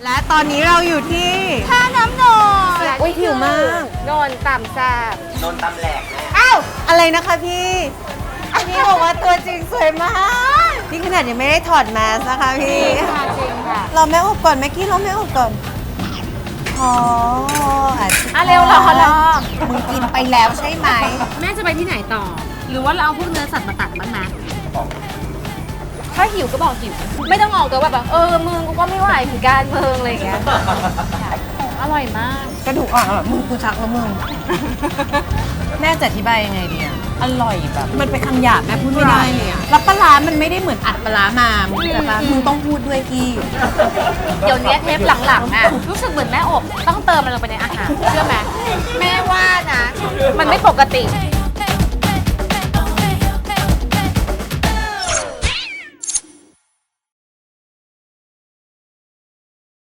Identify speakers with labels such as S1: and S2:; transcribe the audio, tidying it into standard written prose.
S1: และตอนนี้เราอยู่ที่
S2: ท่าน้ำนน
S1: โอ้ยหิวมาก
S2: นนต่ำแซ่บ
S3: โดนตำแหลกแม่
S1: อ้าวอะไรนะคะพี่พี่บอกว่าตัวจริงสวยมากนี่ขนาดยังไม่ได้ถอดแมสนะคะพี่
S2: ค่ะจริงค่ะ
S1: เราแม่อบก่อนแม่กี้เราแม่อบก่อนอ๋ออาจจะ
S2: อ่ะเร็วรอ
S1: มึงกินไปแล้วใช่ไหม
S2: แม่จะไปที่ไหนต่อ หรือว่าเราเอาพวกเนื้อสัตว์มาตัดบ้างนะถ้าหิวก็บอกหิว ไม่ต้องออกตัวแบบมึงกูก็ไม่ไหวเหมือนกันมึงอะไรอย่างเงี้ยอร่อยมาก
S1: กระดูกอ่อนมึงกูชักแล้วมึง แม่จะอธิบายยังไงดีอะอร่อยแบบมันเป็นคำหยาบแม่พูดไม่ได้เลยอะแล้วปลาร้ามันไม่ได้เหมือนอัดปลาร้ามามึงเข้าใจปะมึงต้องพูดด้วยกี้
S2: เดี๋ยวนี้เทปหลังๆอ่ะรู้สึกเหมือนแม่อบต้องเติมมันลงไปในอาหารเชื่อไหมแม่ว่านะ มันไม่ปกติ